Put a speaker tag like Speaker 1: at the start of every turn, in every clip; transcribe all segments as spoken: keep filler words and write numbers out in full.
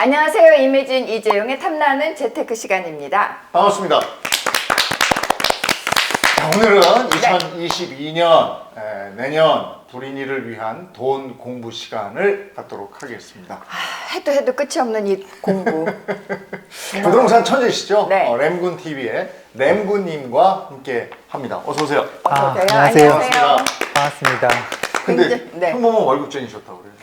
Speaker 1: 안녕하세요. 이매진 이재용의 탐나는 재테크 시간입니다.
Speaker 2: 반갑습니다. 자, 오늘은 이천이십이 년 에, 내년 불인이를 위한 돈 공부 시간을 갖도록 하겠습니다.
Speaker 1: 아, 해도 해도 끝이 없는 이 공부.
Speaker 2: 부동산 천재시죠?
Speaker 1: 네.
Speaker 2: 어, 램군 티비의 램군님과 함께 합니다. 어서 오세요.
Speaker 1: 어서
Speaker 3: 아,
Speaker 1: 오세요.
Speaker 3: 안녕하세요.
Speaker 1: 안녕하세요.
Speaker 3: 반갑습니다.
Speaker 2: 근데
Speaker 1: 굉장히- 네.
Speaker 2: 평범한 월급쟁이셨다고 그래요.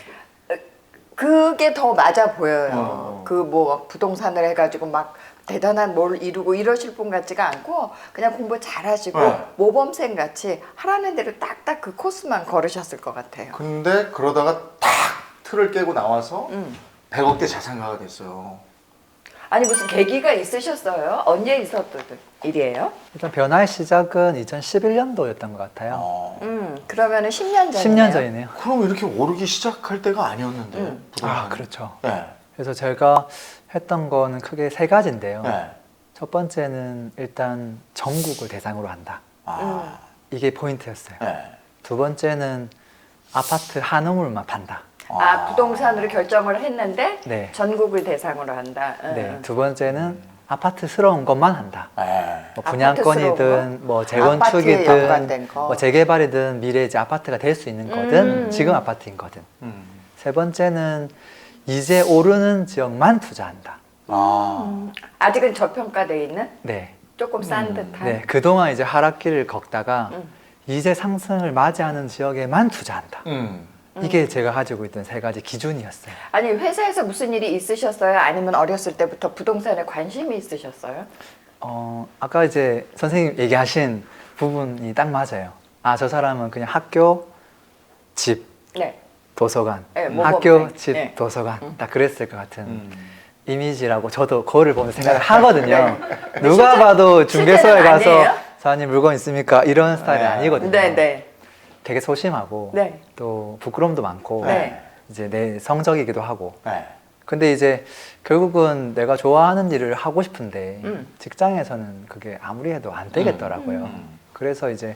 Speaker 1: 그게 더 맞아 보여요.
Speaker 2: 어.
Speaker 1: 그 뭐 부동산을 해가지고 막 대단한 뭘 이루고 이러실 분 같지가 않고 그냥 공부 잘하시고
Speaker 2: 네.
Speaker 1: 모범생 같이 하라는 대로 딱딱 그 코스만 걸으셨을 것 같아요.
Speaker 2: 근데 그러다가 탁 틀을 깨고 나와서
Speaker 1: 음.
Speaker 2: 백억대 자산가가 됐어요.
Speaker 1: 아니 무슨 계기가 있으셨어요? 언제 있었던 일이에요?
Speaker 3: 일단 변화의 시작은 이천십일 년도였던 것 같아요.
Speaker 2: 어.
Speaker 1: 음 그러면은 십 년 전이네요.
Speaker 3: 십 년 전이네요.
Speaker 2: 그럼 이렇게 오르기 시작할 때가 아니었는데
Speaker 1: 음.
Speaker 2: 부동산이.
Speaker 3: 아, 그렇죠.
Speaker 2: 네.
Speaker 3: 그래서 제가 했던 거는 크게 세 가지인데요.
Speaker 2: 네.
Speaker 3: 첫 번째는 일단 전국을 대상으로 한다.
Speaker 2: 아.
Speaker 3: 이게 포인트였어요.
Speaker 2: 네.
Speaker 3: 두 번째는 아파트 한 우물만 판다.
Speaker 1: 아 부동산으로 결정을 했는데
Speaker 3: 네.
Speaker 1: 전국을 대상으로 한다. 응.
Speaker 3: 네. 두 번째는 아파트스러운 것만 한다.
Speaker 2: 네.
Speaker 3: 뭐 분양권이든 뭐
Speaker 1: 아파트에 연관된
Speaker 3: 재건축이든
Speaker 1: 거.
Speaker 3: 뭐 재개발이든 미래 이제 아파트가 될 수 있는 거든
Speaker 1: 음.
Speaker 3: 지금 아파트인 거든.
Speaker 2: 음.
Speaker 3: 세 번째는 이제 오르는 지역만 투자한다.
Speaker 2: 아.
Speaker 1: 음, 아직은 저평가돼 있는
Speaker 3: 네.
Speaker 1: 조금 싼
Speaker 2: 음.
Speaker 1: 듯한.
Speaker 3: 네. 그동안 이제 하락기를 걷다가
Speaker 1: 음.
Speaker 3: 이제 상승을 맞이하는 지역에만 투자한다.
Speaker 2: 음.
Speaker 3: 이게 제가 가지고 있던 세 가지 기준이었어요.
Speaker 1: 아니 회사에서 무슨 일이 있으셨어요? 아니면 어렸을 때부터 부동산에 관심이 있으셨어요?
Speaker 3: 어, 아까 이제 선생님 얘기하신 부분이 딱 맞아요. 아, 저 사람은 그냥 학교, 집,
Speaker 1: 네.
Speaker 3: 도서관.
Speaker 1: 네, 모범생.
Speaker 3: 학교, 집,
Speaker 1: 네.
Speaker 3: 도서관.
Speaker 1: 음.
Speaker 3: 딱 그랬을 것 같은
Speaker 2: 음.
Speaker 3: 이미지라고 저도 거울을 보면 생각을 하거든요.
Speaker 1: 네.
Speaker 3: 누가
Speaker 1: 실제-
Speaker 3: 봐도 중개소에
Speaker 1: 실제는
Speaker 3: 가서
Speaker 1: 아니에요?
Speaker 3: 사장님 물건 있습니까? 이런 스타일이
Speaker 2: 네.
Speaker 3: 아니거든요.
Speaker 1: 네, 네.
Speaker 3: 되게 소심하고
Speaker 1: 네.
Speaker 3: 또 부끄러움도 많고
Speaker 1: 네.
Speaker 3: 이제 내 성적이기도 하고.
Speaker 2: 네.
Speaker 3: 근데 이제 결국은 내가 좋아하는 일을 하고 싶은데
Speaker 1: 음.
Speaker 3: 직장에서는 그게 아무리 해도 안 되겠더라고요.
Speaker 2: 음.
Speaker 3: 그래서 이제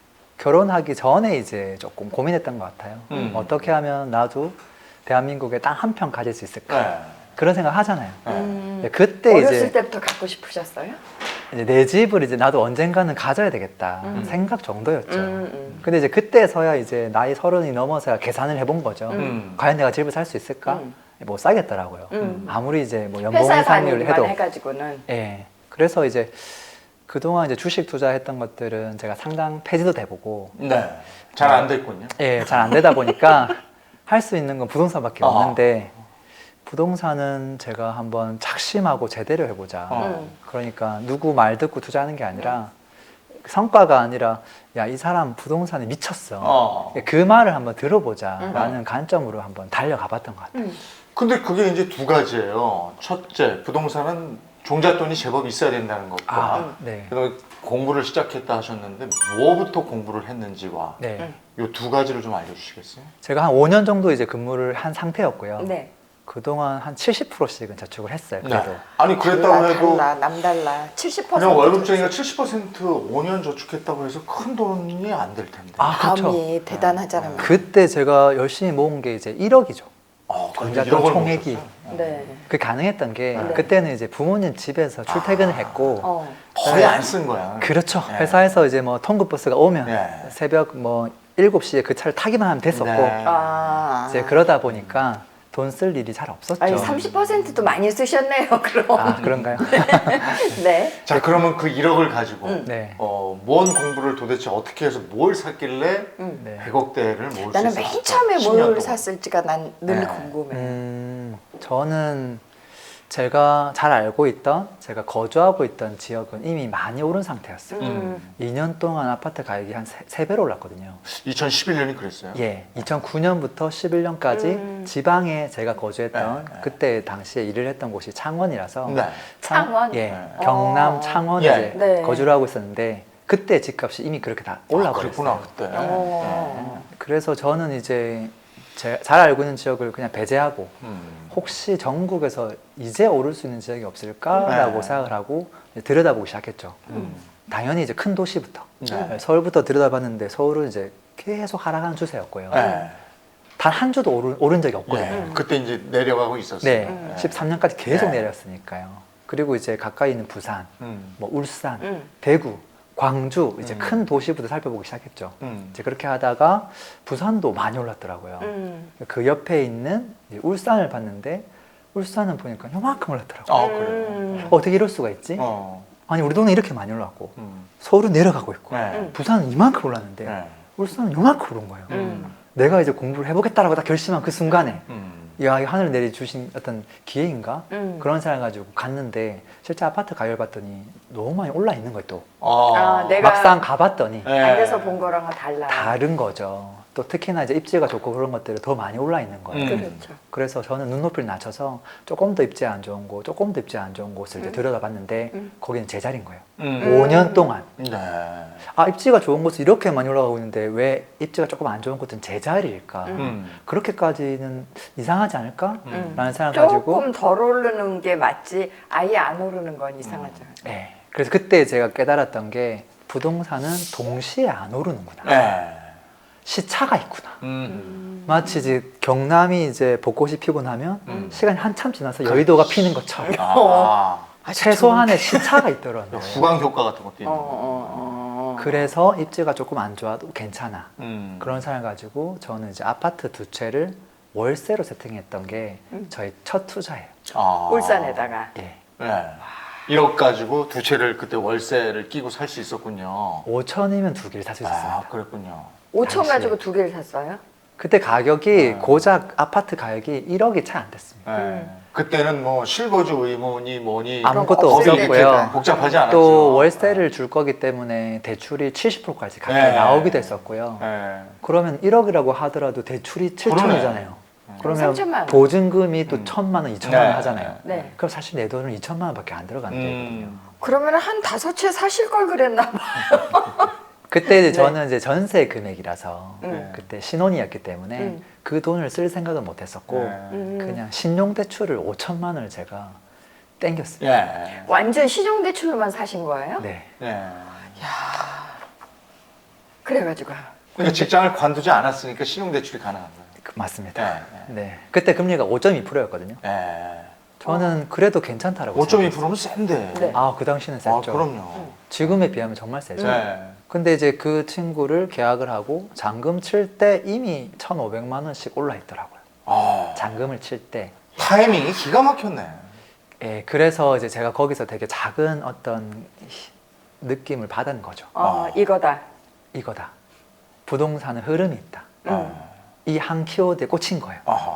Speaker 3: 결혼하기 전에 이제 조금 고민했던 것 같아요.
Speaker 2: 음.
Speaker 3: 어떻게 하면 나도 대한민국에 땅 한 평 가질 수 있을까?
Speaker 2: 네.
Speaker 3: 그런 생각 하잖아요.
Speaker 2: 네.
Speaker 1: 음,
Speaker 3: 근데 그때
Speaker 1: 어렸을
Speaker 3: 이제,
Speaker 1: 때부터 갖고 싶으셨어요?
Speaker 3: 이제 내 집을 이제 나도 언젠가는 가져야 되겠다
Speaker 1: 음.
Speaker 3: 생각 정도였죠.
Speaker 1: 음, 음.
Speaker 3: 근데 이제 그때서야 이제 나이 서른이 넘어서야 계산을 해본 거죠.
Speaker 2: 음.
Speaker 3: 과연 내가 집을 살 수 있을까?
Speaker 1: 음.
Speaker 3: 못 사겠더라고요.
Speaker 1: 음.
Speaker 3: 아무리 이제 뭐 연봉
Speaker 1: 회사
Speaker 3: 이상률
Speaker 1: 다니기만
Speaker 3: 해도.
Speaker 1: 해가지고는.
Speaker 3: 예. 그래서 이제 그동안 이제 주식 투자했던 것들은 제가 상당 폐지도 돼보고,
Speaker 2: 네. 잘 안 됐군요.
Speaker 3: 예, 잘 안 되다 보니까 할 수 있는 건 부동산밖에
Speaker 2: 어허.
Speaker 3: 없는데, 부동산은 제가 한번 작심하고 제대로 해보자.
Speaker 2: 어.
Speaker 1: 음.
Speaker 3: 그러니까 누구 말 듣고 투자하는 게 아니라 성과가 아니라 야, 이 사람 부동산에 미쳤어.
Speaker 2: 어.
Speaker 3: 그 말을 한번 들어보자
Speaker 1: 음.
Speaker 3: 라는 관점으로 한번 달려가 봤던 것 같아요.
Speaker 1: 음.
Speaker 2: 근데 그게 이제 두 가지예요. 첫째, 부동산은 종잣돈이 제법 있어야 된다는 것과
Speaker 3: 아, 네.
Speaker 2: 그다음에 공부를 시작했다 하셨는데 뭐부터 공부를 했는지와
Speaker 3: 네.
Speaker 1: 음.
Speaker 2: 이 두 가지를 좀 알려주시겠어요?
Speaker 3: 제가 한 오 년 정도 이제 근무를 한 상태였고요.
Speaker 1: 네.
Speaker 3: 그동안 한 칠십 퍼센트씩은 저축을 했어요. 그래도.
Speaker 2: 아니 그랬다고
Speaker 1: 달라,
Speaker 2: 해도
Speaker 1: 달라, 남달라. 칠십 퍼센트.
Speaker 2: 그냥 월급쟁이가 칠십 퍼센트 오 년 저축했다고 해서 큰 돈이 안 될 텐데.
Speaker 3: 아, 그렇죠.
Speaker 1: 마음이 대단하잖아요.
Speaker 3: 그때 제가 열심히 모은 게 이제 일억이죠.
Speaker 2: 어, 그런데
Speaker 3: 종잣돈
Speaker 2: 일억을
Speaker 3: 총액이.
Speaker 2: 모으셨어요?
Speaker 1: 네.
Speaker 3: 그게 가능했던 게
Speaker 2: 네.
Speaker 3: 그때는 이제 부모님 집에서 출퇴근을
Speaker 2: 아.
Speaker 3: 했고
Speaker 1: 어.
Speaker 2: 거의 안 쓴 거야.
Speaker 3: 그렇죠.
Speaker 2: 네.
Speaker 3: 회사에서 이제 뭐 통근버스가 오면
Speaker 2: 네.
Speaker 3: 새벽 뭐 일곱 시에 그 차를 타기만 하면 됐었고
Speaker 2: 네.
Speaker 1: 아.
Speaker 3: 이제 그러다 보니까 돈 쓸 일이 잘 없었죠.
Speaker 1: 아니 삼십 퍼센트도 많이 쓰셨네요. 그럼.
Speaker 3: 아, 그런가요?
Speaker 1: 네.
Speaker 2: 자 그러면 그 일억을 가지고
Speaker 1: 음.
Speaker 3: 네.
Speaker 2: 어, 뭔 공부를 도대체 어떻게 해서 뭘 샀길래
Speaker 1: 음.
Speaker 3: 네.
Speaker 2: 백억대를 모을 수
Speaker 1: 나는
Speaker 2: 있었을까?
Speaker 1: 맨 처음에
Speaker 2: 십 년
Speaker 1: 뭘
Speaker 2: 동안.
Speaker 1: 샀을지가 난 늘
Speaker 2: 네.
Speaker 1: 궁금해.
Speaker 3: 음, 저는 제가 잘 알고 있던 제가 거주하고 있던 지역은 이미 많이 오른 상태였어요.
Speaker 1: 음.
Speaker 3: 이 년 동안 아파트 가격이 한 세 배로 올랐거든요.
Speaker 2: 이천십일 년이 그랬어요.
Speaker 3: 예, 이천구 년부터 십일 년까지
Speaker 1: 음.
Speaker 3: 지방에 제가 거주했던
Speaker 2: 네, 네.
Speaker 3: 그때 당시에 일을 했던 곳이 창원이라서
Speaker 2: 네.
Speaker 1: 창원?
Speaker 3: 예,
Speaker 2: 네.
Speaker 3: 경남
Speaker 1: 어.
Speaker 3: 창원에
Speaker 2: 예.
Speaker 3: 이제
Speaker 1: 네.
Speaker 3: 거주를 하고 있었는데 그때 집값이 이미 그렇게 다
Speaker 2: 아,
Speaker 3: 올라버렸어요.
Speaker 2: 그랬구나 그때.
Speaker 1: 어.
Speaker 3: 그래서 저는 이제 제, 잘 알고 있는 지역을 그냥 배제하고
Speaker 2: 음.
Speaker 3: 혹시 전국에서 이제 오를 수 있는 지역이 없을까라고
Speaker 2: 네.
Speaker 3: 생각을 하고 이제 들여다보기 시작했죠.
Speaker 2: 음.
Speaker 3: 당연히 이제 큰 도시부터
Speaker 2: 네.
Speaker 3: 서울부터 들여다봤는데 서울은 이제 계속 하락하는 추세였고요.
Speaker 2: 네.
Speaker 3: 단 한 주도 오른, 오른 적이 없거든요.
Speaker 2: 네.
Speaker 1: 음.
Speaker 2: 그때 이제 내려가고 있었어요.
Speaker 3: 네,
Speaker 1: 음.
Speaker 3: 십삼 년까지 계속
Speaker 2: 네.
Speaker 3: 내렸으니까요. 그리고 이제 가까이 있는 부산,
Speaker 2: 음.
Speaker 3: 뭐 울산,
Speaker 1: 음.
Speaker 3: 대구, 광주 이제
Speaker 2: 음.
Speaker 3: 큰 도시부터 살펴보기 시작했죠.
Speaker 2: 음.
Speaker 3: 이제 그렇게 하다가 부산도 많이 올랐더라고요.
Speaker 1: 음.
Speaker 3: 그 옆에 있는 이제 울산을 봤는데 울산은 보니까 요만큼 올랐더라고요.
Speaker 2: 아 그래요.
Speaker 1: 음.
Speaker 3: 어떻게 이럴 수가 있지?
Speaker 2: 어.
Speaker 3: 아니 우리 동네 이렇게 많이 올랐고
Speaker 2: 음.
Speaker 3: 서울은 내려가고 있고
Speaker 2: 네.
Speaker 1: 음.
Speaker 3: 부산은 이만큼 올랐는데
Speaker 2: 네.
Speaker 3: 울산은 요만큼 오른 거예요.
Speaker 1: 음.
Speaker 3: 내가 이제 공부를 해보겠다라고 딱 결심한 그 순간에
Speaker 2: 음.
Speaker 3: 야, 이 하늘 내려주신 어떤 기회인가?
Speaker 1: 음.
Speaker 3: 그런 생각을 가지고 갔는데 실제 아파트 가격을 봤더니 너무 많이 올라 있는 거예요 또.
Speaker 2: 아,
Speaker 1: 아, 내가
Speaker 3: 막상 가봤더니
Speaker 2: 네.
Speaker 1: 안에서 본 거랑은 달라.
Speaker 3: 다른 거죠. 또 특히나 이제 입지가 좋고 그런 것들이 더 많이 올라 있는 거예요.
Speaker 2: 음.
Speaker 1: 그렇죠.
Speaker 3: 그래서 저는 눈높이를 낮춰서 조금 더 입지 안 좋은 곳, 조금 더 입지 안 좋은 곳을 이제
Speaker 1: 음.
Speaker 3: 들여다봤는데
Speaker 1: 음.
Speaker 3: 거기는 제 자리인 거예요.
Speaker 2: 음.
Speaker 3: 오 년 동안.
Speaker 2: 네.
Speaker 3: 아, 입지가 좋은 곳은 이렇게 많이 올라가고 있는데 왜 입지가 조금 안 좋은 곳은 제 자리일까?
Speaker 1: 음.
Speaker 2: 음.
Speaker 3: 그렇게까지는 이상하지 않을까?
Speaker 2: 음.
Speaker 3: 라는 생각을 가지고
Speaker 1: 조금 덜 오르는 게 맞지 아예 안 오르는 건 이상하죠.
Speaker 3: 네. 그래서 그때 제가 깨달았던 게 부동산은 동시에 안 오르는구나.
Speaker 2: 네.
Speaker 3: 시차가 있구나.
Speaker 2: 음.
Speaker 3: 마치 이제 경남이 이제 벚꽃이 피고 나면
Speaker 2: 음.
Speaker 3: 시간이 한참 지나서 여의도가 피는 것처럼
Speaker 2: 아.
Speaker 1: 아,
Speaker 3: 최소한의 시차가 있더라고요.
Speaker 2: 후광 효과 같은 것도
Speaker 1: 어,
Speaker 2: 있는
Speaker 1: 어,
Speaker 2: 거.
Speaker 1: 어.
Speaker 3: 그래서 입지가 조금 안 좋아도 괜찮아.
Speaker 2: 음.
Speaker 3: 그런 생각을 가지고 저는 이제 아파트 두 채를 월세로 세팅했던 게
Speaker 1: 음.
Speaker 3: 저희 첫 투자예요.
Speaker 2: 아.
Speaker 1: 울산에다가.
Speaker 3: 예.
Speaker 2: 네. 일억 가지고 두 채를 그때 월세를 끼고 살 수 있었군요.
Speaker 3: 오천이면 두 개를 살 수 있었습니다.
Speaker 2: 아, 그랬군요.
Speaker 1: 오천
Speaker 3: 당시에.
Speaker 1: 가지고 두 개를 샀어요?
Speaker 3: 그때 가격이
Speaker 2: 아. 고작
Speaker 3: 고작 아파트 가격이 일억이 채 안 됐습니다.
Speaker 2: 네.
Speaker 1: 음.
Speaker 2: 그때는 뭐 실거주 의무니 뭐니
Speaker 3: 아무것도
Speaker 1: 없을
Speaker 2: 법이 이렇게
Speaker 3: 없었고요.
Speaker 2: 복잡하지 않았죠.
Speaker 3: 또 월세를 줄 거기 때문에 대출이 칠십 퍼센트까지 가까이
Speaker 2: 네.
Speaker 3: 나오기도 했었고요.
Speaker 2: 네.
Speaker 3: 그러면 일억이라고 하더라도 대출이 칠천이잖아요. 그러면
Speaker 1: 삼천만 원.
Speaker 3: 보증금이 또
Speaker 2: 음.
Speaker 3: 천만 원, 이천만 원
Speaker 2: 네.
Speaker 3: 하잖아요.
Speaker 1: 네.
Speaker 3: 그럼 사실 내 돈은 이천만 원밖에 안 들어가는 거거든요.
Speaker 2: 음.
Speaker 1: 그러면 한 다섯 채 사실 걸 그랬나 봐.
Speaker 3: 그때 이제
Speaker 1: 네.
Speaker 3: 저는 이제 전세 금액이라서
Speaker 1: 음.
Speaker 3: 그때 신혼이었기 때문에
Speaker 1: 음.
Speaker 3: 그 돈을 쓸 생각은 못 했었고
Speaker 2: 네.
Speaker 1: 음.
Speaker 3: 그냥 신용 대출을 오천만 원을 제가 땡겼습니다.
Speaker 2: 예.
Speaker 1: 완전 시중 대출로만 사신 거예요?
Speaker 3: 네.
Speaker 2: 예.
Speaker 1: 그래가지고
Speaker 2: 그러니까 직장을 관두지 않았으니까 신용대출이 가능한 거예요.
Speaker 3: 그- 맞습니다.
Speaker 2: 네.
Speaker 3: 네. 그때 금리가 오 점 이 퍼센트였거든요.
Speaker 2: 예.
Speaker 3: 저는 그래도 괜찮다라고
Speaker 2: 오 점 이
Speaker 3: 생각했어요.
Speaker 2: 퍼센트면 센데.
Speaker 1: 네.
Speaker 3: 아, 그 당시는 셌죠.
Speaker 2: 아, 그럼요.
Speaker 3: 지금에 비하면 정말 세죠.
Speaker 2: 네.
Speaker 3: 근데 이제 그 친구를 계약을 하고 잔금 칠 때 이미 천오백만 원씩 올라 있더라고요.
Speaker 2: 아,
Speaker 3: 잔금을 칠 때.
Speaker 2: 타이밍이 기가 막혔네.
Speaker 3: 예, 그래서 이제 제가 거기서 되게 작은 어떤 느낌을 받은 거죠.
Speaker 1: 어,
Speaker 2: 아.
Speaker 1: 이거다.
Speaker 3: 이거다. 부동산은 흐름이 있다.
Speaker 1: 음.
Speaker 3: 이 한 키워드에 꽂힌 거예요.
Speaker 2: 아하.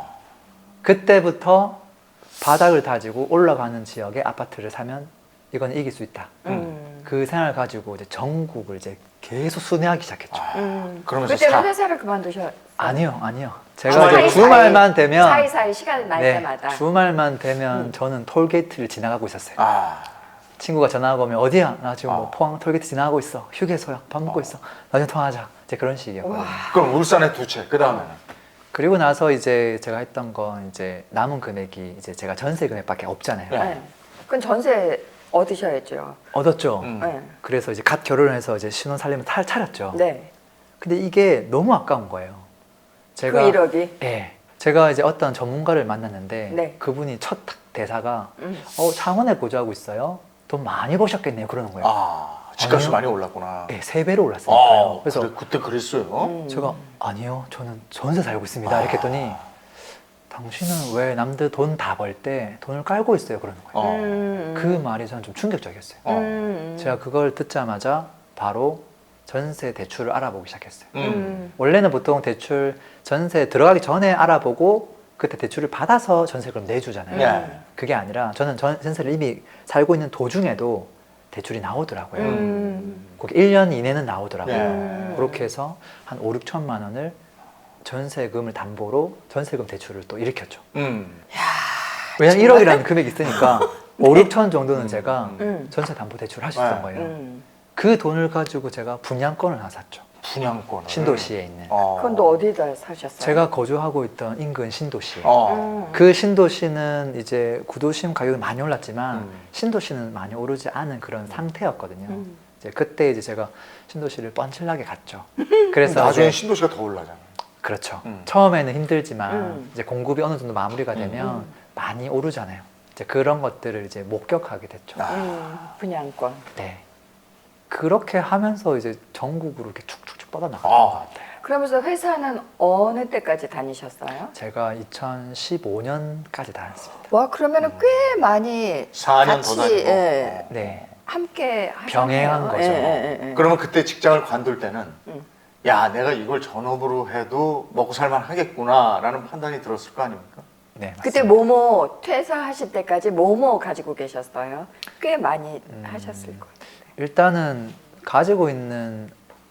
Speaker 3: 그때부터 바닥을 다지고 올라가는 지역에 아파트를 사면 이건 이길 수 있다.
Speaker 1: 음.
Speaker 3: 그 생각을 가지고 이제 전국을 이제 계속 순회하기 시작했죠.
Speaker 2: 아,
Speaker 1: 음.
Speaker 2: 그러면서
Speaker 1: 그때는
Speaker 2: 사.
Speaker 1: 회사를 그만두셨.
Speaker 3: 아니요, 아니요. 제가
Speaker 2: 주말
Speaker 3: 이제 주말만 되면
Speaker 1: 사이사이 시간이 날
Speaker 3: 네,
Speaker 1: 때마다.
Speaker 3: 주말만 되면
Speaker 1: 음.
Speaker 3: 저는 톨게이트를 지나가고 있었어요.
Speaker 2: 아,
Speaker 3: 친구가 전화가 오면 어디야? 나 지금 뭐
Speaker 2: 아.
Speaker 3: 포항 톨게이트 지나가고 있어. 휴게소야. 밥 먹고
Speaker 2: 아.
Speaker 3: 있어. 나중에 통화하자. 이제 그런 식이었거든요.
Speaker 1: 와.
Speaker 2: 그럼 울산에 두 채. 그 다음에는.
Speaker 3: 그리고 나서 이제 제가 했던 건 이제 남은 금액이 이제 제가 전세 금액밖에 없잖아요.
Speaker 2: 네.
Speaker 1: 네. 그건 전세 얻으셔야죠.
Speaker 3: 얻었죠.
Speaker 2: 음.
Speaker 1: 네.
Speaker 3: 그래서 이제 갓 결혼해서 이제 신혼 살림을 탈 차렸죠.
Speaker 1: 네.
Speaker 3: 근데 이게 너무 아까운 거예요. 제가
Speaker 1: 그 일억이.
Speaker 3: 예. 제가 이제 어떤 전문가를 만났는데
Speaker 1: 네.
Speaker 3: 그분이 첫 대사가
Speaker 1: 음.
Speaker 3: 어, 창원에 거주하고 있어요. 돈 많이 버셨겠네요. 그러는 거예요.
Speaker 2: 아, 집값이
Speaker 3: 아니요.
Speaker 2: 많이 올랐구나.
Speaker 3: 예, 세 배로 올랐으니까요.
Speaker 2: 아,
Speaker 3: 그래서
Speaker 2: 그래, 그때 그랬어요?
Speaker 1: 음.
Speaker 3: 제가 아니요, 저는 전세 살고 있습니다.
Speaker 2: 아.
Speaker 3: 이렇게 했더니 당신은 왜 남들 돈 다 벌 때 돈을 깔고 있어요? 그러는 거예요.
Speaker 2: 어.
Speaker 1: 음.
Speaker 3: 그 말이 저는 좀 충격적이었어요.
Speaker 2: 어.
Speaker 1: 음.
Speaker 3: 제가 그걸 듣자마자 바로 전세 대출을 알아보기 시작했어요.
Speaker 2: 음.
Speaker 1: 음.
Speaker 3: 원래는 보통 대출 전세 들어가기 전에 알아보고 그때 대출을 받아서 전세금 내주잖아요.
Speaker 2: 네.
Speaker 3: 그게 아니라 저는 전- 전세를 이미 살고 있는 도중에도 대출이 나오더라고요.
Speaker 1: 음.
Speaker 3: 그게 일 년 이내는 나오더라고요.
Speaker 2: 네.
Speaker 1: 음.
Speaker 3: 그렇게 해서 한 오, 육천만 원을 전세금을 담보로 전세금 대출을 또 일으켰죠.
Speaker 2: 음.
Speaker 3: 왜냐면 일억이라는 금액이 있으니까 오, 육천 정도는 제가
Speaker 1: 음.
Speaker 3: 전세 담보 대출을 할 수 있었던
Speaker 2: 네.
Speaker 3: 거예요.
Speaker 1: 음.
Speaker 3: 그 돈을 가지고 제가 분양권을 하나 샀죠.
Speaker 2: 분양권을.
Speaker 3: 신도시에 있는.
Speaker 2: 어.
Speaker 1: 그건 또 어디다 사셨어요?
Speaker 3: 제가 거주하고 있던 인근 신도시.
Speaker 2: 어.
Speaker 1: 음.
Speaker 3: 그 신도시는 이제 구도심 가격이 많이 올랐지만
Speaker 2: 음.
Speaker 3: 신도시는 많이 오르지 않은 그런 상태였거든요.
Speaker 1: 음.
Speaker 3: 이제 그때 이제 제가 신도시를 뻔칠나게 갔죠. 그래서
Speaker 2: 나중에
Speaker 3: 이제
Speaker 2: 신도시가 더 올라잖아.
Speaker 3: 그렇죠.
Speaker 2: 음.
Speaker 3: 처음에는 힘들지만
Speaker 1: 음.
Speaker 3: 이제 공급이 어느 정도 마무리가 되면
Speaker 1: 음.
Speaker 3: 많이 오르잖아요. 이제 그런 것들을 이제 목격하게 됐죠.
Speaker 2: 아.
Speaker 1: 음, 분양권.
Speaker 3: 네. 그렇게 하면서 이제 전국으로 이렇게 축축축 뻗어나갔던
Speaker 2: 아.
Speaker 3: 것 같아요.
Speaker 1: 그러면서 회사는 어느 때까지 다니셨어요?
Speaker 3: 제가 이천십오 년까지 다녔습니다.
Speaker 1: 와, 그러면은 꽤 많이
Speaker 2: 사 년 더
Speaker 1: 같이,
Speaker 2: 다니고.
Speaker 1: 예,
Speaker 2: 어.
Speaker 3: 네.
Speaker 1: 함께 하셨네요.
Speaker 3: 병행한 거죠.
Speaker 1: 예, 예, 예, 예.
Speaker 2: 그러면 그때 직장을 관둘 때는
Speaker 1: 음.
Speaker 2: 야 내가 이걸 전업으로 해도 먹고 살만 하겠구나라는 판단이 들었을 거 아닙니까?
Speaker 3: 네, 맞습니다.
Speaker 1: 그때 뭐뭐 퇴사하실 때까지 뭐뭐 가지고 계셨어요? 꽤 많이
Speaker 3: 음.
Speaker 1: 하셨을 거예요.
Speaker 3: 일단은 가지고 있는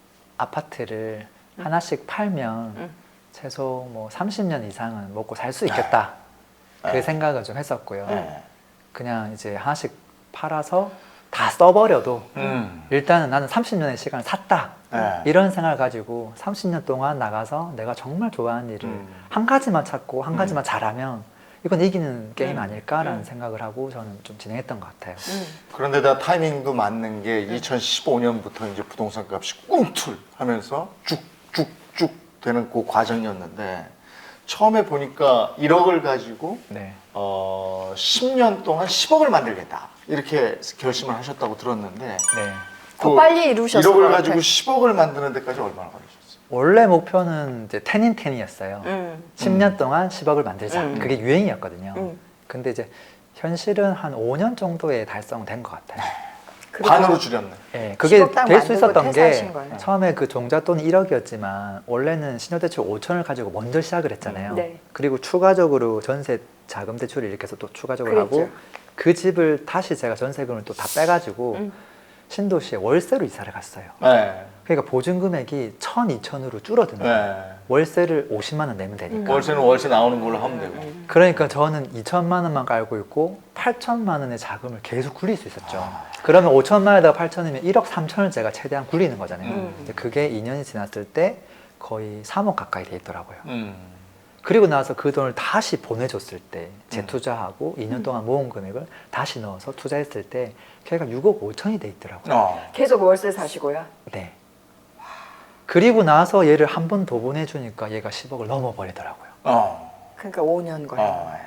Speaker 3: 아파트를 하나씩 팔면
Speaker 1: 음.
Speaker 3: 최소 뭐 삼십 년 이상은 먹고 살 수 있겠다. 그
Speaker 2: 네.
Speaker 3: 생각을 좀 했었고요.
Speaker 2: 네.
Speaker 3: 그냥 이제 하나씩 팔아서 다 써버려도
Speaker 2: 음.
Speaker 3: 일단은 나는 삼십 년의 시간을 샀다.
Speaker 2: 네.
Speaker 3: 이런 생각을 가지고 삼십 년 동안 나가서 내가 정말 좋아하는 일을
Speaker 2: 음.
Speaker 3: 한 가지만 찾고 한 가지만 잘하면 이건 이기는 게임
Speaker 1: 음.
Speaker 3: 아닐까라는
Speaker 1: 음.
Speaker 3: 생각을 하고 저는 좀 진행했던 것 같아요.
Speaker 1: 음.
Speaker 2: 그런데다 타이밍도 맞는 게 이천십오 년부터 이제 부동산 값이 꿈틀 하면서 쭉쭉쭉 되는 그 과정이었는데 처음에 보니까 일억을 가지고
Speaker 3: 네.
Speaker 2: 어, 십 년 동안 십억을 만들겠다 이렇게 결심을 하셨다고 들었는데
Speaker 3: 네.
Speaker 1: 더 빨리 이루셨을 것
Speaker 2: 일억을
Speaker 1: 같아요.
Speaker 2: 가지고 십억을 만드는 데까지 얼마나 걸리셨어요?
Speaker 3: 원래 목표는 이제 텐인텐이었어요.
Speaker 1: 음.
Speaker 3: 십 년 동안 십억을 만들자.
Speaker 1: 음.
Speaker 3: 그게 유행이었거든요.
Speaker 1: 음.
Speaker 3: 근데 이제 현실은 한 오 년 정도에 달성된 것 같아요.
Speaker 1: 그리고
Speaker 2: 반으로 줄였네.
Speaker 3: 네, 그게
Speaker 1: 십억 딱
Speaker 3: 될 수
Speaker 1: 만들고
Speaker 3: 있었던 게
Speaker 1: 퇴사하신 거예요.
Speaker 3: 처음에 그 종잣돈이 일억이었지만 원래는 신용대출 오천을 가지고 먼저 시작을 했잖아요.
Speaker 1: 네.
Speaker 3: 그리고 추가적으로 전세 자금 대출을 이렇게 해서 또 추가적으로
Speaker 1: 그랬죠.
Speaker 3: 하고 그 집을 다시 제가 전세금을 또 다 빼가지고
Speaker 1: 음.
Speaker 3: 신도시에 월세로 이사를 갔어요.
Speaker 2: 네.
Speaker 3: 그러니까 보증 금액이 천, 이천으로 줄어드는 거예요.
Speaker 2: 네.
Speaker 3: 월세를 오십만 원 내면 되니까.
Speaker 2: 월세는 월세 나오는 걸로 하면 되고.
Speaker 1: 음.
Speaker 3: 그러니까 저는 이천만 원만 깔고 있고 팔천만 원의 자금을 계속 굴릴 수 있었죠. 그러면 오천만 원에다가 팔천이면 일억 삼천을 제가 최대한 굴리는 거잖아요.
Speaker 1: 음.
Speaker 3: 근데 그게 이 년이 지났을 때 거의 삼억 가까이 돼 있더라고요.
Speaker 2: 음.
Speaker 3: 그리고 나서 그 돈을 다시 보내줬을 때
Speaker 2: 음.
Speaker 3: 재투자하고 이 년 동안 모은 금액을 다시 넣어서 투자했을 때 걔가 육억 오천이 돼 있더라고요.
Speaker 2: 어.
Speaker 1: 계속 월세 사시고요.
Speaker 3: 네. 그리고 나서 얘를 한 번 더 보내주니까 얘가 십억을 넘어버리더라고요.
Speaker 2: 어.
Speaker 1: 그러니까 오 년 걸린
Speaker 2: 어.
Speaker 1: 거예요.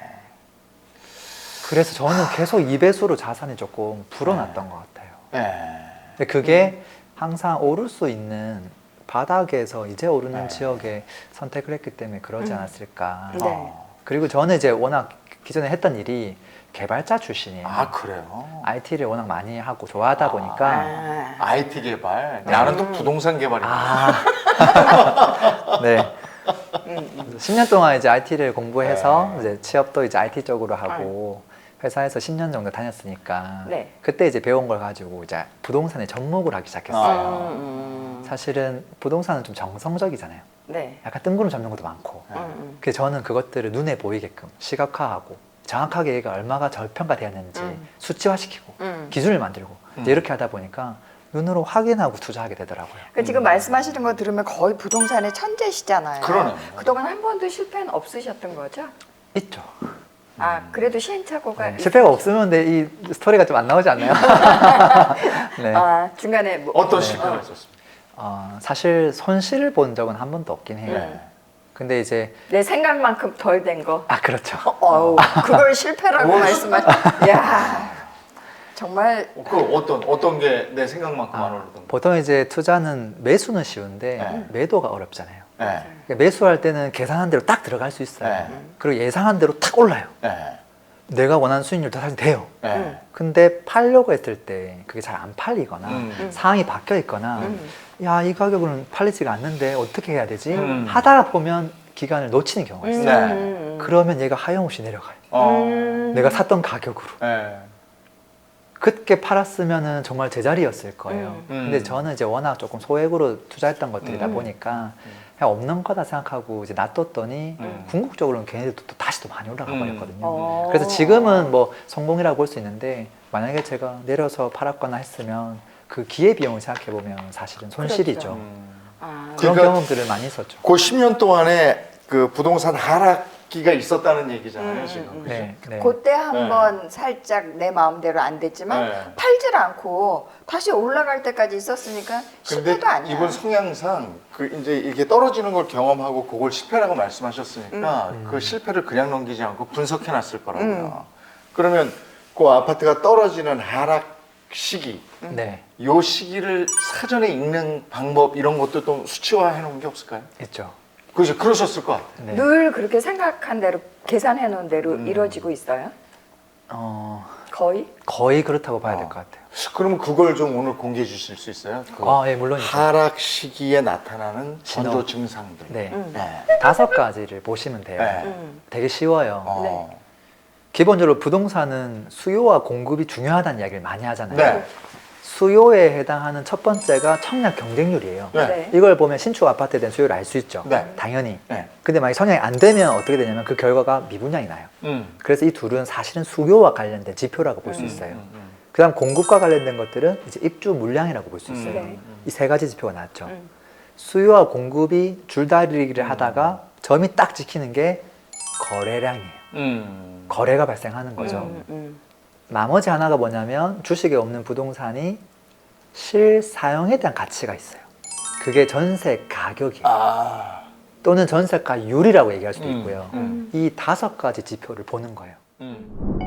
Speaker 3: 그래서 저는 계속 이 배수로 자산이 조금 불어났던 것 같아요.
Speaker 2: 네.
Speaker 3: 근데 그게 항상 오를 수 있는 바닥에서 이제 오르는
Speaker 2: 네.
Speaker 3: 지역에 선택을 했기 때문에 그러지
Speaker 1: 음.
Speaker 3: 않았을까.
Speaker 1: 네.
Speaker 2: 어.
Speaker 3: 그리고 저는 이제 워낙 기존에 했던 일이 개발자 출신이에요.
Speaker 2: 아 그래요?
Speaker 3: 아이티를 워낙 많이 하고 좋아하다
Speaker 2: 아.
Speaker 3: 보니까
Speaker 1: 아.
Speaker 2: 아이티 개발.
Speaker 3: 네.
Speaker 2: 나는 또 부동산 개발이야.
Speaker 3: 아, 네.
Speaker 1: 음.
Speaker 3: 십 년 동안 이제 아이티를 공부해서
Speaker 2: 네.
Speaker 3: 이제 취업도 이제 아이티 쪽으로 하고 회사에서 십 년 정도 다녔으니까
Speaker 1: 네.
Speaker 3: 그때 이제 배운 걸 가지고 이제 부동산에 접목을 하기 시작했어요.
Speaker 2: 아.
Speaker 1: 음.
Speaker 3: 사실은 부동산은 좀 정성적이잖아요.
Speaker 1: 네.
Speaker 3: 약간 뜬구름 잡는 것도 많고.
Speaker 2: 네.
Speaker 1: 음.
Speaker 3: 그래서 저는 그것들을 눈에 보이게끔 시각화하고 정확하게 얘가 얼마가 저평가되었는지
Speaker 1: 음.
Speaker 3: 수치화시키고
Speaker 1: 음.
Speaker 3: 기준을 만들고 이제
Speaker 2: 음.
Speaker 3: 이렇게 하다 보니까 눈으로 확인하고 투자하게 되더라고요.
Speaker 1: 그 지금
Speaker 2: 음.
Speaker 1: 말씀하시는 거 들으면 거의 부동산의 천재시잖아요.
Speaker 2: 그러네.
Speaker 1: 그동안 한 번도 실패는 없으셨던 거죠?
Speaker 3: 있죠.
Speaker 1: 아, 그래도 시행착오가
Speaker 3: 네, 실패가 없으면 근데 이 스토리가 좀 안 나오지 않나요? 네.
Speaker 1: 아, 중간에 뭐
Speaker 2: 어떤
Speaker 3: 네.
Speaker 2: 실패가
Speaker 1: 어.
Speaker 2: 있었습니까?
Speaker 3: 어, 사실 손실을 본 적은 한 번도 없긴 해요.
Speaker 2: 네.
Speaker 3: 근데 이제
Speaker 1: 내 생각만큼 덜 된 거.
Speaker 3: 아 그렇죠.
Speaker 1: 어, 어우, 그걸 실패라고
Speaker 2: 오.
Speaker 1: 말씀하시. 야, 정말
Speaker 2: 어, 그 어떤 어떤 게 내 생각만큼 안 오르던 거?
Speaker 3: 보통 이제 투자는 매수는 쉬운데
Speaker 2: 네.
Speaker 3: 매도가 어렵잖아요.
Speaker 2: 네.
Speaker 3: 그러니까 매수할 때는 계산한 대로 딱 들어갈 수 있어요.
Speaker 2: 네.
Speaker 3: 그리고 예상한 대로 딱 올라요.
Speaker 2: 네.
Speaker 3: 내가 원하는 수익률도 사실 돼요.
Speaker 2: 네.
Speaker 1: 음.
Speaker 3: 근데 팔려고 했을 때 그게 잘 안 팔리거나
Speaker 2: 음.
Speaker 3: 상황이 바뀌어 있거나
Speaker 1: 음.
Speaker 3: 야, 이 가격은 팔리지가 않는데 어떻게 해야 되지?
Speaker 2: 음.
Speaker 3: 하다가 보면 기간을 놓치는 경우가 있어요.
Speaker 2: 네.
Speaker 3: 그러면 얘가 하염없이 내려가요.
Speaker 2: 어.
Speaker 1: 음.
Speaker 3: 내가 샀던 가격으로.
Speaker 2: 네.
Speaker 3: 그때 팔았으면 정말 제자리였을 거예요.
Speaker 2: 음.
Speaker 3: 근데 저는 이제 워낙 조금 소액으로 투자했던 것들이다
Speaker 1: 음.
Speaker 3: 보니까 그냥 없는 거다 생각하고 이제 놔뒀더니
Speaker 2: 음.
Speaker 3: 궁극적으로는 걔네들도 또 다시 또 많이 올라가
Speaker 2: 음.
Speaker 3: 버렸거든요.
Speaker 1: 어.
Speaker 3: 그래서 지금은 뭐 성공이라고 볼 수 있는데 만약에 제가 내려서 팔았거나 했으면 그 기회비용을 생각해 보면 사실은 손실이죠.
Speaker 1: 그렇죠.
Speaker 2: 음.
Speaker 1: 아,
Speaker 3: 그런
Speaker 2: 그러니까
Speaker 3: 경험들을 많이 있었죠.
Speaker 2: 그 십 년 동안에 그 부동산 하락 시기가 있었다는 얘기잖아요,
Speaker 1: 음,
Speaker 2: 지금.
Speaker 1: 음,
Speaker 2: 그죠?
Speaker 3: 네, 네.
Speaker 1: 그때 한번 살짝 내 마음대로 안 됐지만
Speaker 2: 네.
Speaker 1: 팔질 않고 다시 올라갈 때까지 있었으니까
Speaker 2: 근데
Speaker 1: 실패도 아니야.
Speaker 2: 이분 성향상 그 이제 이게 떨어지는 걸 경험하고 그걸 실패라고 말씀하셨으니까
Speaker 3: 음.
Speaker 2: 그 실패를 그냥 넘기지 않고 분석해 놨을 거라고요.
Speaker 1: 음.
Speaker 2: 그러면 그 아파트가 떨어지는 하락 시기,
Speaker 3: 네,
Speaker 2: 요 시기를 사전에 읽는 방법 이런 것도 또 수치화해 놓은 게 없을까요?
Speaker 3: 있죠.
Speaker 2: 그죠? 그러셨을 것 같아요.
Speaker 3: 네.
Speaker 1: 늘 그렇게 생각한 대로 계산해 놓은 대로
Speaker 2: 음.
Speaker 1: 이루어지고 있어요?
Speaker 3: 어,
Speaker 1: 거의?
Speaker 3: 거의 그렇다고 봐야 될
Speaker 2: 어.
Speaker 3: 것 같아요.
Speaker 2: 그러면 그걸 좀 오늘 공개해 주실 수 있어요? 그
Speaker 3: 아, 예, 물론이죠.
Speaker 2: 하락 시기에 나타나는
Speaker 3: 신호.
Speaker 2: 전조 증상들.
Speaker 3: 네.
Speaker 1: 음.
Speaker 2: 네.
Speaker 3: 다섯 가지를 보시면 돼요.
Speaker 2: 네.
Speaker 1: 음.
Speaker 3: 되게 쉬워요.
Speaker 2: 어.
Speaker 3: 기본적으로 부동산은 수요와 공급이 중요하다는 이야기를 많이 하잖아요.
Speaker 2: 네.
Speaker 3: 수요에 해당하는 첫 번째가 청약 경쟁률이에요.
Speaker 2: 네.
Speaker 1: 네.
Speaker 3: 이걸 보면 신축 아파트에 대한 수요를 알 수 있죠.
Speaker 2: 네.
Speaker 3: 당연히.
Speaker 2: 네.
Speaker 3: 근데 만약에 청약이 안 되면 어떻게 되냐면 그 결과가 미분양이 나요.
Speaker 2: 음.
Speaker 3: 그래서 이 둘은 사실은 수요와 관련된 지표라고 볼 수
Speaker 1: 음,
Speaker 3: 있어요.
Speaker 2: 음, 음.
Speaker 3: 그 다음 공급과 관련된 것들은 이제 입주 물량이라고 볼 수 있어요.
Speaker 1: 네.
Speaker 3: 이 세 가지 지표가 나왔죠.
Speaker 1: 음.
Speaker 3: 수요와 공급이 줄다리기를
Speaker 2: 음.
Speaker 3: 하다가 점이 딱 지키는 게 거래량이에요.
Speaker 2: 음.
Speaker 3: 거래가 발생하는 거죠.
Speaker 1: 음, 음.
Speaker 3: 나머지 하나가 뭐냐면 주식에 없는 부동산이 실사용에 대한 가치가 있어요. 그게 전세 가격이에요.
Speaker 2: 아.
Speaker 3: 또는 전세가율이라고 얘기할 수도
Speaker 2: 음,
Speaker 3: 있고요.
Speaker 2: 음.
Speaker 3: 이 다섯 가지 지표를 보는 거예요.
Speaker 2: 음.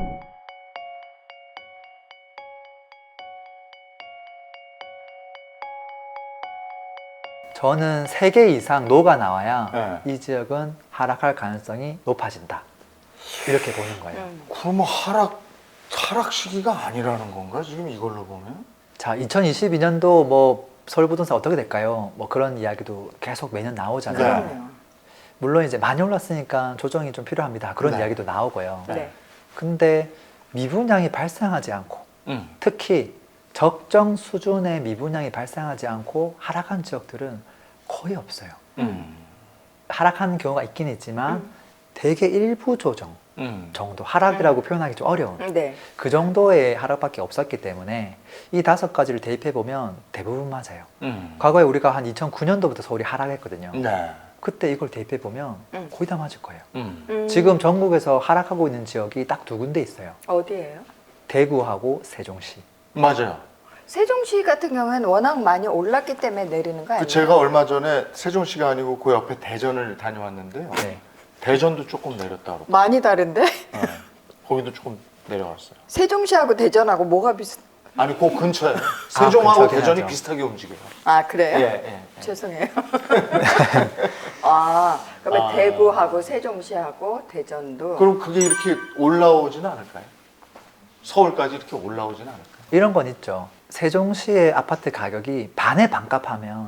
Speaker 3: 저는 세 개 이상 노가 나와야
Speaker 2: 네.
Speaker 3: 이 지역은 하락할 가능성이 높아진다. 이렇게 보는 거예요.
Speaker 1: 음.
Speaker 2: 그러면 하락 하락 시기가 아니라는 건가? 지금 이걸로 보면?
Speaker 3: 자, 이천이십이 년도 뭐 서울 부동산 어떻게 될까요? 뭐 그런 이야기도 계속 매년 나오잖아요.
Speaker 2: 네.
Speaker 1: 그럼요.
Speaker 3: 물론 이제 많이 올랐으니까 조정이 좀 필요합니다. 그런
Speaker 2: 네.
Speaker 3: 이야기도 나오고요.
Speaker 2: 네.
Speaker 1: 네.
Speaker 3: 근데 미분양이 발생하지 않고
Speaker 2: 음.
Speaker 3: 특히 적정 수준의 미분양이 발생하지 않고 하락한 지역들은 거의 없어요.
Speaker 2: 음.
Speaker 3: 하락한 경우가 있긴 있지만
Speaker 1: 음.
Speaker 3: 대개 일부 조정
Speaker 2: 음.
Speaker 3: 정도, 하락이라고 표현하기 좀 어려운
Speaker 1: 음, 네.
Speaker 3: 그 정도의 하락밖에 없었기 때문에 이 다섯 가지를 대입해 보면 대부분 맞아요.
Speaker 2: 음.
Speaker 3: 과거에 우리가 한 이천구 년도부터 서울이 하락했거든요.
Speaker 2: 네.
Speaker 3: 그때 이걸 대입해 보면
Speaker 1: 음.
Speaker 3: 거의 다 맞을 거예요.
Speaker 2: 음.
Speaker 1: 음.
Speaker 3: 지금 전국에서 하락하고 있는 지역이 딱 두 군데 있어요.
Speaker 1: 어디예요?
Speaker 3: 대구하고 세종시.
Speaker 2: 맞아요.
Speaker 1: 세종시 같은 경우에는 워낙 많이 올랐기 때문에 내리는 거 아니에요?
Speaker 2: 그 제가 얼마 전에 세종시가 아니고 그 옆에 대전을 다녀왔는데요.
Speaker 3: 네.
Speaker 2: 대전도 조금 내렸다고.
Speaker 1: 많이 다른데?
Speaker 2: 네. 거기도 조금 내려갔어요.
Speaker 1: 세종시하고 대전하고 뭐가 비슷?
Speaker 2: 아니, 그 근처에 세종하고
Speaker 3: 근처긴
Speaker 2: 대전이
Speaker 3: 하죠.
Speaker 2: 비슷하게 움직여요.
Speaker 1: 아 그래요?
Speaker 2: 예, 예. 예.
Speaker 1: 죄송해요. 아 그러면
Speaker 2: 아.
Speaker 1: 대구하고 세종시하고 대전도
Speaker 2: 그럼 그게 이렇게 올라오지는 않을까요? 서울까지 이렇게 올라오지는 않을까요?
Speaker 3: 이런 건 있죠. 세종시의 아파트 가격이 반에 반값하면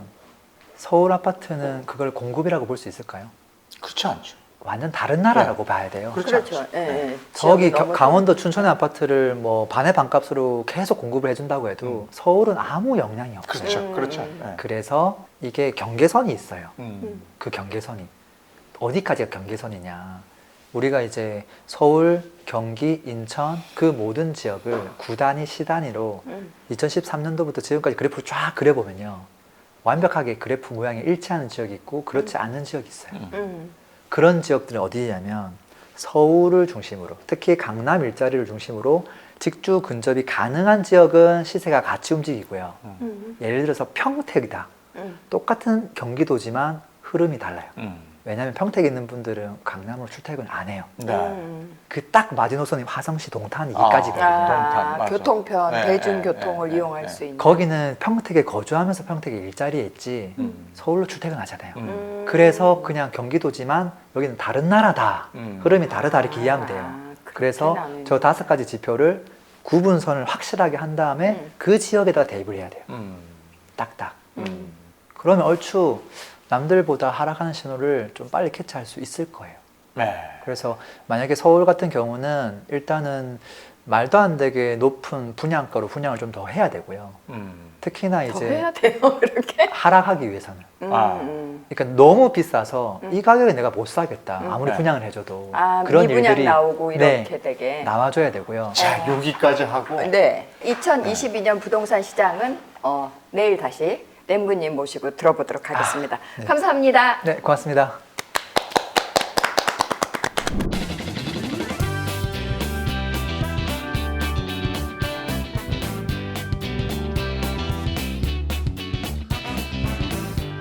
Speaker 3: 서울 아파트는 그걸 공급이라고 볼 수 있을까요?
Speaker 2: 그렇지 않죠.
Speaker 3: 완전 다른 나라라고 봐야 돼요.
Speaker 2: 그렇지
Speaker 1: 그렇죠.
Speaker 2: 않죠.
Speaker 1: 예,
Speaker 2: 네.
Speaker 1: 예.
Speaker 3: 저기
Speaker 1: 지역이
Speaker 3: 겨-
Speaker 1: 너무
Speaker 3: 강원도 춘천의 아파트를 뭐 반의 반값으로 계속 공급을 해준다고 해도 서울은 아무 영향이 없어요.
Speaker 2: 그렇죠.
Speaker 1: 음.
Speaker 2: 그렇죠. 네.
Speaker 3: 그래서 이게 경계선이 있어요.
Speaker 2: 음.
Speaker 3: 그 경계선이 어디까지가 경계선이냐? 우리가 이제 서울, 경기, 인천 그 모든 지역을 구 단위, 시 단위로
Speaker 1: 음.
Speaker 3: 이천십삼 년도부터 지금까지 그래프를 쫙 그려보면요. 완벽하게 그래프 모양이 일치하는 지역이 있고 그렇지 않은 지역이 있어요.
Speaker 2: 음.
Speaker 1: 음.
Speaker 3: 그런 지역들은 어디냐면 서울을 중심으로 특히 강남 일자리를 중심으로 직주 근접이 가능한 지역은 시세가 같이 움직이고요.
Speaker 1: 음.
Speaker 3: 예를 들어서 평택이다.
Speaker 1: 음.
Speaker 3: 똑같은 경기도지만 흐름이 달라요.
Speaker 2: 음.
Speaker 3: 왜냐하면 평택에 있는 분들은 강남으로 출퇴근 안 해요.
Speaker 2: 네.
Speaker 1: 음.
Speaker 3: 그 딱 마지노선이 화성시 동탄
Speaker 2: 아.
Speaker 3: 이기까지거든요.
Speaker 1: 아,
Speaker 2: 맞아.
Speaker 1: 교통편,
Speaker 2: 네,
Speaker 1: 대중교통을
Speaker 2: 네, 네,
Speaker 1: 이용할
Speaker 2: 네.
Speaker 1: 수 있는.
Speaker 3: 거기는 평택에 거주하면서 평택에 일자리에 있지
Speaker 2: 음.
Speaker 3: 서울로 출퇴근하잖아요.
Speaker 2: 음.
Speaker 1: 음.
Speaker 3: 그래서 그냥 경기도지만 여기는 다른 나라다.
Speaker 2: 음.
Speaker 3: 흐름이 다르다 이렇게
Speaker 1: 아,
Speaker 3: 이해하면 돼요.
Speaker 1: 그렇게
Speaker 3: 그래서
Speaker 1: 나누는
Speaker 3: 저 다섯 가지 지표를 구분선을 확실하게 한 다음에
Speaker 1: 음.
Speaker 3: 그 지역에다가 대입을 해야 돼요.
Speaker 2: 음.
Speaker 3: 딱딱.
Speaker 2: 음.
Speaker 3: 그러면 얼추 남들보다 하락하는 신호를 좀 빨리 캐치할 수 있을 거예요.
Speaker 2: 네.
Speaker 3: 그래서 만약에 서울 같은 경우는 일단은 말도 안 되게 높은 분양가로 분양을 좀 더 해야 되고요.
Speaker 2: 음.
Speaker 3: 특히나
Speaker 1: 더
Speaker 3: 이제
Speaker 1: 해야 돼요, 그렇게?
Speaker 3: 하락하기 위해서는.
Speaker 1: 음,
Speaker 2: 아.
Speaker 1: 음.
Speaker 3: 그러니까 너무 비싸서
Speaker 1: 음.
Speaker 3: 이 가격에 내가 못 사겠다.
Speaker 1: 음.
Speaker 3: 아무리
Speaker 2: 네.
Speaker 3: 분양을 해줘도
Speaker 1: 아,
Speaker 3: 그런
Speaker 1: 미분양
Speaker 3: 일들이
Speaker 1: 나오고
Speaker 3: 네,
Speaker 1: 이렇게 되게.
Speaker 3: 나와줘야 되고요.
Speaker 2: 자, 여기까지 하고
Speaker 1: 네, 이천이십이 년 부동산 시장은 어, 내일 다시 램부님 모시고 들어보도록 하겠습니다.
Speaker 3: 네.
Speaker 1: 감사합니다.
Speaker 3: 네, 고맙습니다.